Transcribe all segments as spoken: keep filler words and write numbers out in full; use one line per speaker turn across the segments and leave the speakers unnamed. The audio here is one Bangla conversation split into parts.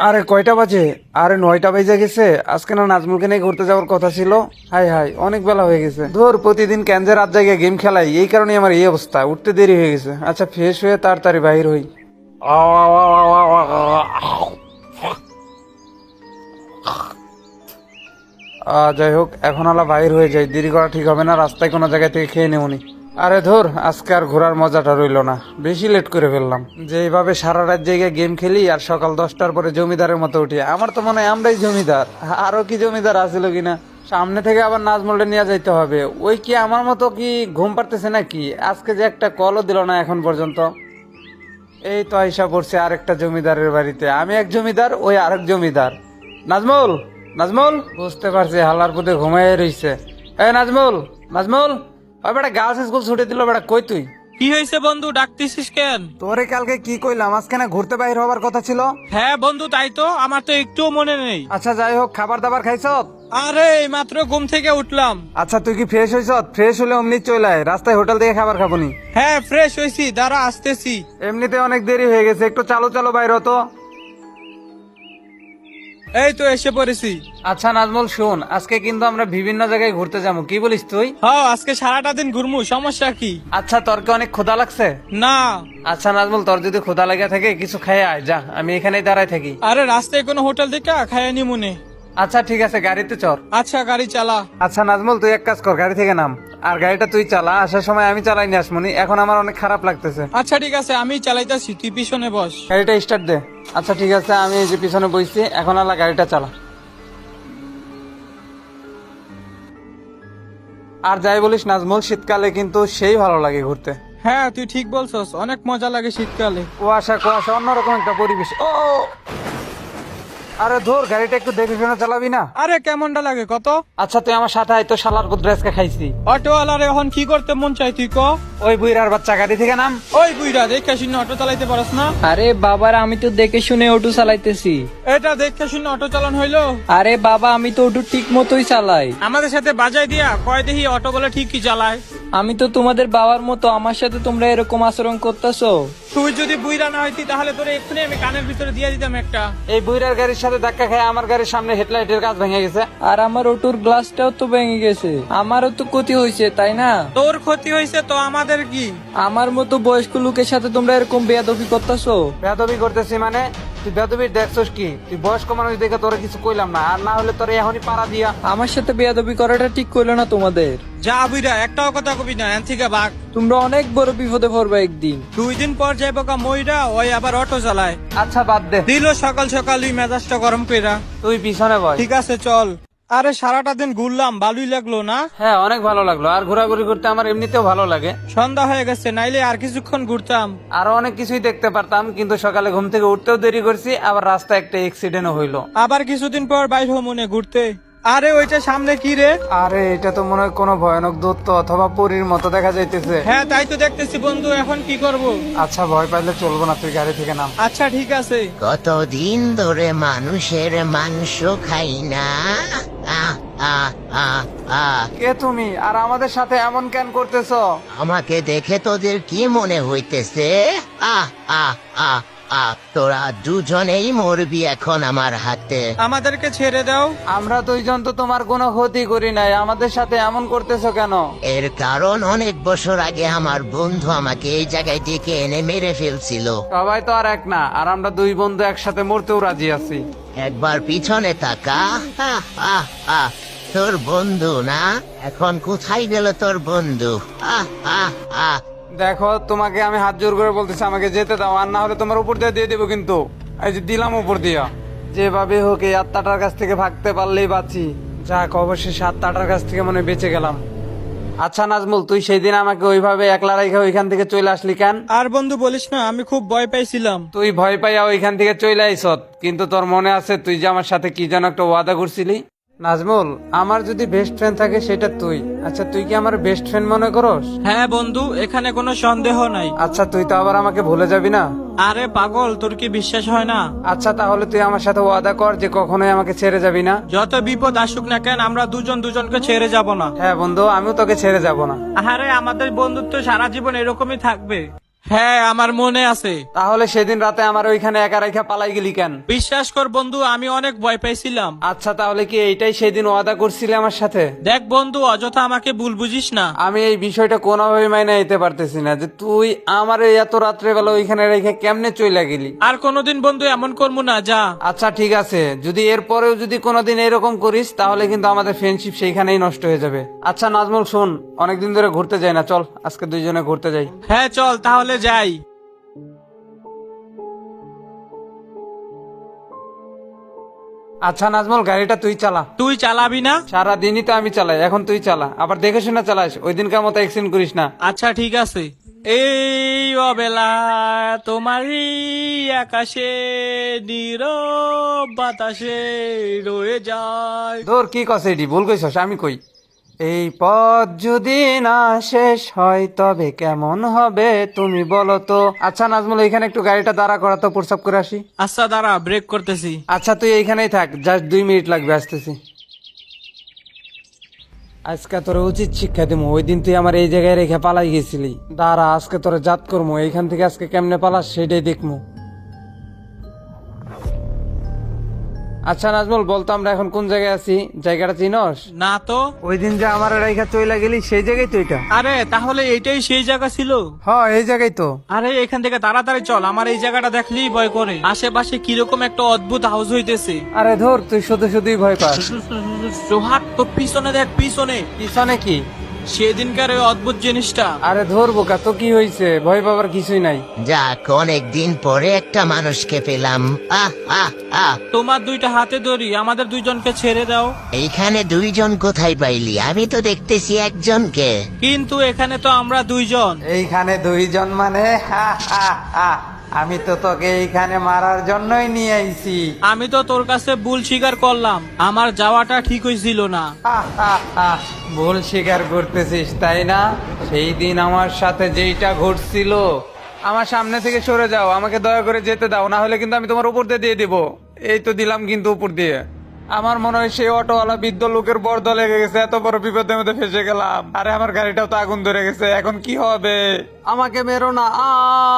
আরে কয়টা বাজে? আরে নয়টা বাজে গেছে। আজকে না নাজমুলকে নিয়ে ঘুরতে যাওয়ার কথা ছিল। হাই হাই, অনেক বেলা হয়ে গেছে। ধর, প্রতিদিন ক্যানজে রাত জায়গায় গেম খেলাই, এই কারণে আমার এই অবস্থা। উঠতে দেরি হয়ে গেছে। আচ্ছা, ফ্রেশ হয়ে তাড়াতাড়ি বাহির হই। আহ, যাই হোক, এখন আলা বাহির হয়ে যাই, দেরি করা ঠিক হবে না। রাস্তায় কোনো জায়গা থেকে খেয়ে নেবনি। আরে ধর, আজকে আর ঘোরার মজাটা রইলো না, বেশি লেট করে ফেললাম। যে এইভাবে সারা রাত জায়গায় গেম খেলি আর সকাল দশটার পরে জমিদারের মতো উঠি, আমার তো মনে হয় আমরাই জমিদার। আরো কি জমিদার আছিল কিনা। সামনে থেকে আবার নাজমুলটা নিয়ে যাইতে হবে। ওই কি আমার মতো কি ঘুম পারতেছে নাকি? আজকে যে একটা কলও দিল না এখন পর্যন্ত। এই তো আইসা পড়ছে আরেকটা জমিদারের বাড়িতে। আমি এক জমিদার, ওই আরেক জমিদার। নাজমুল, নাজমুল, বুঝতে পারছি হালার পুঁতে ঘুমাই রইছে। এই নাজমুল, নাজমুল, ওই বেটা গার্লস স্কুল ছুটি দিল। বেটা কই তুই?
কি হয়েছে বন্ধু, ডাকতেছিস কেন?
তোরে কালকে কি কইলাম, আজকে না ঘুরতে বাইর হবার কথা ছিল।
হ্যাঁ বন্ধু, তাই তো, আমার তো একটুও মনে নেই।
আচ্ছা যাই হোক, খাবার দাবার খাইছ?
আরে এই মাত্র ঘুম থেকে উঠলাম।
আচ্ছা তুই কি ফ্রেশ হইছ? ফ্রেশ হলে অমনি চলে আয়, রাস্তায় হোটেল থেকে খাবার খাবনি।
হ্যাঁ ফ্রেশ হয়েছি, দাঁড়া আসতেছি।
এমনিতে অনেক দেরি হয়ে গেছে, একটু চালো চালো বাইর হতো।
এই তো এসে পড়েছি।
আচ্ছা নাজমুল শোন, আজকে কিন্তু আমরা বিভিন্ন জায়গায় ঘুরতে যাবো, কি বলিস তুই?
হ্যাঁ আজকে সারাটা দিন ঘুরমু, সমস্যা কি?
আচ্ছা তোর কি অনেক ক্ষুধা লাগছে?
না।
আচ্ছা নাজমুল, তোর যদি ক্ষুধা লেগে থাকে কিছু খেয়ে আয়, যা, আমি এখানেই দাঁড়ায় থাকি।
আরে রাস্তায় কোনো হোটেল থেকে খাইয়া নি মনে।
আচ্ছা ঠিক আছে, গাড়িতে চল।
আচ্ছা গাড়ি চালা।
আচ্ছা নাজমুল, তুই এক কাজ কর, গাড়ি থেকে নাম, আর গাড়িটা তুই চালা। আসার সময় আমি চালাই নি আসমনি, এখন আমার অনেক খারাপ লাগতেছে।
আচ্ছা ঠিক আছে, আমি চালাইতাছি, তুই পিছনে বস।
গাড়িটা স্টার্ট দে। আচ্ছা ঠিক আছে, আমি এই যে পিছনে বসছি, এখন আলা গাড়িটা চালা। আর যাই বলিস নাজমুল, শীতকালে কিন্তু সেই ভালো লাগে ঘুরতে।
হ্যাঁ তুই ঠিক বলছস, অনেক মজা লাগে শীতকালে।
কুয়াশা কুয়াশা, অন্যরকম একটা পরিবেশ। ও আরে ধর, গাড়িটা একটু দেখে শুনে চালাবি না?
আরে কেমনটা লাগে কত?
আচ্ছা তুই আমার সাথে আয় তো, শালার পুত্র আজকে খাইছি।
অটোওয়ালার এখন কি করতে মন চাই তুই ক?
ওই বুইরার বাচ্চা, গাড়ি থেকে নাম।
ওই বুইরা, দেখে শুনে অটো চালাইতে পারস না?
আরে বাবার, আমি তো দেখে শুনে অটো চালাইতেছি।
এটা দেখে শুনে অটো চালান হইলো?
আরে বাবা, আমি তো অটো ঠিক মতোই চালাই।
আমাদের সাথে বাজাই দিয়া কয় দেখি অটো বলে ঠিকই চালায়।
আমি তো তোমাদের বাবার মতো, আমার সাথে তোমরা এরকম আচরণ করতেছো।
তুই যদি বুইরা না হইতি তাহলে তোরে এক্ষুনি আমি কানের ভিতরে দিয়ে দিতাম একটা।
এই বুইরার গাড়ির সাথে ধাক্কা খেয়ে আমার গাড়ির সামনে হেডলাইটের কাজ ভেঙে গেছে।
আর আমার অটোর গ্লাসটাও তো ভেঙে গেছে, আমারও তো ক্ষতি হয়েছে, তাই না?
তোর ক্ষতি হয়েছে তো আমাদের কি?
আমার মতো বয়স্ক লোকের সাথে তোমরা এরকম বেয়াদবি করতেছো।
বেয়াদবি করতেছি মানে? তুই বেয়াদবি দেখছস কি? তুই বয়স্ক মানুষ দেখে তোরে কিছু কইলাম না, আর না হলে তোরে এখনই পাড়া দিয়া।
আমার সাথে বেয়াদবি করাটা ঠিক করলো না তোমাদের।
যা বুইরা, একটাও কথা কবি না, এন থেকে ভাগ।
তোমরা অনেক বড় বিপদে পড়বে একদিন।
দুই দিন পর যাইব কা মইরা, ওই আবার অটো চালায়।
আচ্ছা বাদ দে,
দিল সকাল সকালই মেজাজটা গরম কইরা।
তুই পিছনে বয়।
ঠিক আছে চল। আরে সারাটা দিন ঘুরলাম, ভালোই লাগলো না?
হ্যাঁ অনেক ভালো লাগলো, আর ঘোরাঘুরি করতে আমার এমনিতেও ভালো লাগে।
সন্ধ্যা হয়ে গেছে, নাইলে আর কিছুক্ষণ ঘুরতাম।
আরো অনেক কিছুই দেখতে পারতাম, কিন্তু সকালে ঘুম থেকে উঠতেও দেরি করছি, আবার রাস্তায় একটা অ্যাক্সিডেন্টও হইলো।
আবার কিছুদিন পর বাইর হো মনে ঘুরতে। আরে ওইটা সামনে কি রে?
আরে এটা তো মনে হয় কোনো ভয়ানক দূত অথবা পরীর মতো দেখা যাইতেছে।
হ্যাঁ তাই তো দেখতেছি বন্ধু, এখন কি করব?
আচ্ছা ভয় পাইলে চলবো না, তুই গাড়ি থেকে নাম।
আচ্ছা ঠিক আছে।
কতদিন ধরে মানুষের মাংস খাই না। আহ, আহ, আহ, আহ।
কে তুমি, আর আমাদের সাথে এমন কেন করতেছো?
আমাকে দেখে তোদের কি মনে হইতেছে? আহ আহ আহ আহ তোরা দুজনেই মরবি এখন আমার হাতে।
আমাদেরকে ছেড়ে দাও।
আমরা দুইজন তো তোমার কোনো ক্ষতি করি নাই, আমাদের সাথে এমন করতেছো কেন?
এর কারণ অনেক বছর আগে আমার বন্ধু আমাকে এই জায়গায় ডেকে এনে মেরে ফেলছিল।
সবাই তো আর এক না, আর আমরা দুই বন্ধু একসাথে মরতেও রাজি আছি।
একবার পিছনে তাকা। আহ, আহ, আহ। তোর বন্ধু না, এখন কোথায় গেল তোর বন্ধু? আহ আহ আহ
দেখো, তোমাকে আমি হাত জোর করে বলতেছি আমাকে যেতে দাও, আর না হলে তোমার উপর দিয়ে দিয়ে দেবো কিন্তু। এই যে দিলাম উপর দিয়া। যেভাবে হোক এই আত্মাটার কাছ থেকে ভাগতে পারলেই বাঁচি। যাক, অবশ্যই আত্মাটার কাছ থেকে মনে বেঁচে গেলাম। আচ্ছা নাজমুল, তুই সেই দিন আমাকে ওইভাবে একলা রেখে ওইখান থেকে চলে আসলি কেন?
আর বন্ধু বলিস না, আমি খুব ভয় পাইছিলাম।
তুই ভয় পাইয়া ওইখান থেকে চলে আইসত, কিন্তু তোর মনে আছে তুই যে আমার সাথে কি যেন একটা ওয়াদা করছিলি? নাজমুল, আমার যদি বেস্ট ফ্রেন্ড থাকে সেটা তুই। আচ্ছা তুই কি আমার বেস্ট ফ্রেন্ড মনে করস?
হ্যাঁ বন্ধু, এখানে কোনো সন্দেহ নাই।
আচ্ছা তুই তো আবার আমাকে ভুলে যাবি না?
আরে পাগল, তোর কি বিশ্বাস হয় না?
আচ্ছা তাহলে তুই আমার সাথে ওয়াদা কর যে কখনোই আমাকে ছেড়ে যাবি না।
যত বিপদ আসুক না কেন, আমরা দুজন দুজনকে ছেড়ে যাব না।
হ্যাঁ বন্ধু, আমিও তোকে ছেড়ে যাব না।
আরে আমাদের বন্ধুত্ব সারা জীবন এরকমই থাকবে। হ্যাঁ আমার মনে আছে।
তাহলে সেদিন রাতে আমার ওইখানে একা রেখা পালাই গেলি কেন?
বিশ্বাস কর বন্ধু, আমি অনেক ভয় পাইছিলাম।
আচ্ছা তাহলে কি এইটাই সেদিন ওয়াদা করছিলে আমার সাথে?
দেখ বন্ধু, অযথা আমাকে ভুল বুঝিস না।
আমি এই বিষয়টা কোনোভাবে মাইনে নিতে পারতেছি না যে তুই আমার এই এত রাত্রেবেলা ওইখানে রেখে কেমনে চইলা গেলি।
আর কোনোদিন বন্ধু এমন করবো না, যা।
আচ্ছা ঠিক আছে, যদি এরপরেও যদি কোনোদিন এরকম করিস তাহলে কিন্তু আমাদের ফ্রেন্ডশিপ সেইখানেই নষ্ট হয়ে যাবে। আচ্ছা নাজমুল শোন, অনেকদিন ধরে ঘুরতে যাই না, চল আজকে দুইজনে ঘুরতে যাই।
হ্যাঁ চল তাহলে যাই।
আচ্ছা নাজমুল, গাড়িটা তুই চালা।
তুই চালাবি না?
সারা দিনই তো আমি চালাই, এখন তুই চালা, আবার দেখে শুনে চালাস, ওই দিনকার মতো অ্যাক্সিডেন্ট করিস না।
আচ্ছা ঠিক আছে। এই অবেলা তোমারই আকাশে নীরব বাতাসে রয়ে যায়।
তোর কি কস এটি ভুল কইছস, আমি কই এই পথ যদি না শেষ হয় তবে কেমন হবে তুমি বলো তো। আচ্ছা নাজমুল, এখানে একটু গাড়িটা দাঁড়া করা তো, প্রস্তাব করে আসি।
আচ্ছা দাঁড়া, ব্রেক করতেছি।
আচ্ছা তুই এইখানেই থাক, জাস্ট দুই মিনিট লাগবে, আসতেছি। আজকে তোর উচিত শিক্ষা দিমু, ওই দিন তুই আমার এই জায়গায় রেখে পালাই গেছিলি। দাঁড়া আজকে তোর জাত করবো, এইখান থেকে আজকে কেমনে পালাস সেটাই দেখমু। আচ্ছা নাজমুল, বলতো আমরা এখন কোন জায়গায় আছি? জায়গাটা চিনস?
না তো।
ওই দিন যে আমার রেখা চইলা গেলি সেই জায়গায় তো এটা।
আরে তাহলে এইটাই সেই জায়গা ছিল?
হ্যাঁ এই জায়গায় তো।
আরে এখান থেকে তাড়াতাড়ি চল, আমার এই জায়গাটা দেখলেই ভয় করে। আশেপাশে কিরকম একটা অদ্ভুত হাউস হইতেছে।
আরে ধর, তুই শুধু শুধুই ভয় পাস।
সোহাগ তোর পিছনে দেখ, পিছনে।
পিছনে কি?
সেদিনকার ওই অদ্ভুত জিনিসটা।
আরে ধর বোকা, তো কি হয়েছে? ভয় পাবার কিছুই নাই।
যাক, অনেক দিন পরে একটা মানুষকে পেলাম। আহ আহ আহ
তোমার দুইটা হাতে ধরি, আমাদের দুইজনকে ছেড়ে দাও।
এইখানে দুইজন কোথায় পাইলি? আমি তো দেখতেছি একজনকে।
কিন্তু এখানে তো আমরা দুইজন।
এইখানে দুইজন মানে? হা, হা, হা। আমি তো তোকে এইখানে মারার জন্যই নিয়ে আইছি।
আমি তো তোর কাছে ভুল স্বীকার করলাম, আমার যাওয়াটা ঠিক হয়েছিল না।
হা, হা, হা। ভুল স্বীকার করতেছিস তাই না? সেই দিন আমার সাথে যেইটা ঘটছিল, আমার সামনে থেকে সরে যাও, আমাকে দয়া করে যেতে দাও, না হলে কিন্তু আমি তোমার উপর দিয়ে দিয়ে দিব। এই তো দিলাম কিন্তু উপর দিয়ে। আমার মনে হয় সেই অটোওয়ালা বৃদ্ধ লোকের বর্দ লেগে গেছে, এত বড় বিপদের মধ্যে ফেসে গেলাম। আরে আমার গাড়িটাও তো আগুন ধরে গেছে, এখন কি হবে? আমাকে মেরো না। আ!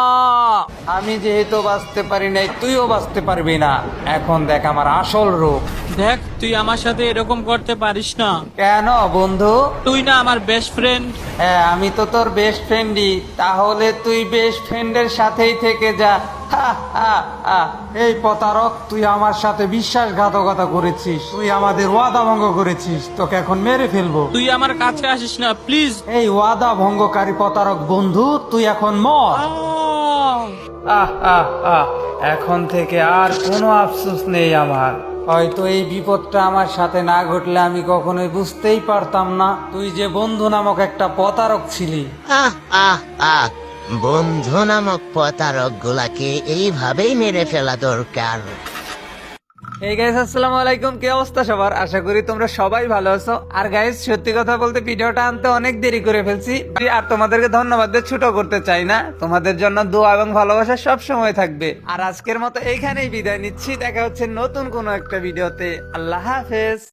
আমি যেহেতু বাঁচতে পারি নাই, তুইও বাঁচতে পারবি না। এখন দেখ আমার আসল রূপ।
দেখ, তুই আমার সাথে এরকম করতে পারিস না।
কেন বন্ধু?
তুই না আমার বেস্ট ফ্রেন্ড।
হ্যাঁ আমি তো তোর বেস্ট ফ্রেন্ডই, তাহলে তুই বেস্ট ফ্রেন্ডের সাথেই থেকে যা। হা, হা, হা। এই প্রতারক, তুই আমার সাথে বিশ্বাসঘাতকতা করেছিস, তুই আমাদের ওয়াদা ভঙ্গ করেছিস, তোকে এখন মেরে ফেলবো।
তুই আমার কাছে আসিস না প্লিজ।
এই ওয়াদা ভঙ্গকারী প্রতারক বন্ধু, তুই এখন মর। আহ আহ আহ এখন থেকে আর কোনো আফসোস নেই আমার। হয়তো এই বিপদটা আমার সাথে না ঘটলে আমি কখনোই বুঝতেই পারতাম না তুই যে বন্ধু নামক একটা প্রতারক ছিলি।
আহ আহ আহ বন্ধু নামক প্রতারক গুলাকে এইভাবেই মেরে ফেলা দরকার।
এই গাইস আসসালামু আলাইকুম, কি অবস্থা সবার? আশা করি তোমরা সবাই ভালো আছো। আর গাইস সত্যি কথা বলতে ভিডিওটা আনতে অনেক দেরি করে ফেলছি, আর তোমাদেরকে ধন্যবাদ দিয়ে ছোট করতে চাই না। তোমাদের জন্য দোয়া এবং ভালোবাসা সব সময় থাকবে। আর আজকের মতো এইখানেই বিদায় নিচ্ছি, দেখা হচ্ছে নতুন কোনো একটা ভিডিওতে। আল্লাহ হাফেজ।